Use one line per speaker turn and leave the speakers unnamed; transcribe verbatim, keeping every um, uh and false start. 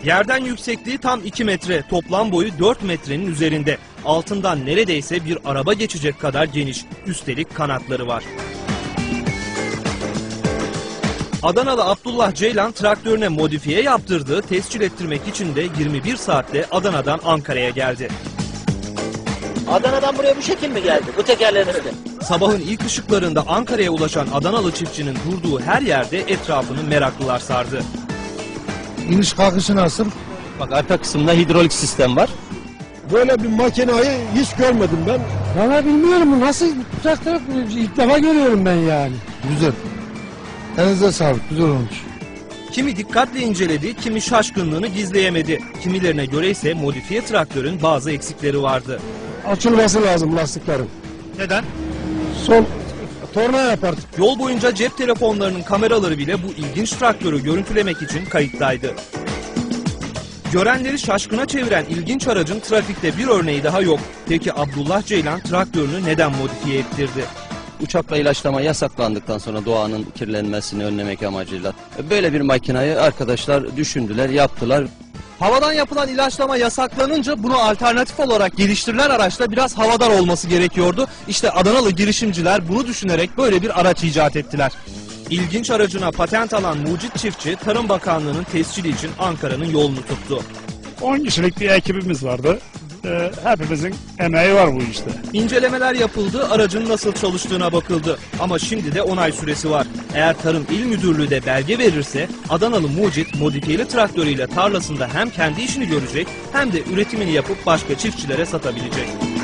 Yerden yüksekliği tam iki metre, toplam boyu dört metrenin üzerinde. Altından neredeyse bir araba geçecek kadar geniş, üstelik kanatları var. Adanalı Abdullah Ceylan traktörüne modifiye yaptırdığı, tescil ettirmek için de yirmi bir saatte Adana'dan Ankara'ya geldi.
Adana'dan buraya bu şekil mi geldi? Bu tekerlerin üstü.
Sabahın ilk ışıklarında Ankara'ya ulaşan Adanalı çiftçinin durduğu her yerde etrafını meraklılar sardı.
İniş kalkışı nasıl?
Bak arka kısımda hidrolik sistem var.
Böyle bir makinayı hiç görmedim ben.
Valla bilmiyorum bu nasıl traktör, ilk defa görüyorum ben yani.
Güzel. Elinize sağlık, güzel olmuş.
Kimi dikkatle inceledi, kimi şaşkınlığını gizleyemedi. Kimilerine göre ise modifiye traktörün bazı eksikleri vardı.
Açılması lazım lastiklerin.
Neden?
Son torna yapar.
Yol boyunca cep telefonlarının kameraları bile bu ilginç traktörü görüntülemek için kayıttaydı. Görenleri şaşkına çeviren ilginç aracın trafikte bir örneği daha yok. Peki Abdullah Ceylan traktörünü neden modifiye ettirdi?
Uçakla ilaçlama yasaklandıktan sonra doğanın kirlenmesini önlemek amacıyla böyle bir makinayı arkadaşlar düşündüler, yaptılar.
Havadan yapılan ilaçlama yasaklanınca bunu alternatif olarak geliştirilen araçta biraz havadar olması gerekiyordu. İşte Adanalı girişimciler bunu düşünerek böyle bir araç icat ettiler. İlginç aracına patent alan mucit çiftçi, Tarım Bakanlığı'nın tescili için Ankara'nın yolunu tuttu.
on kişilik bir ekibimiz vardı. Ee, hepimizin emeği var bu işte.
İncelemeler yapıldı, aracın nasıl çalıştığına bakıldı. Ama şimdi de onay süresi var. Eğer Tarım İl Müdürlüğü de belge verirse Adanalı mucit modifiyeli traktörüyle tarlasında hem kendi işini görecek hem de üretimini yapıp başka çiftçilere satabilecek.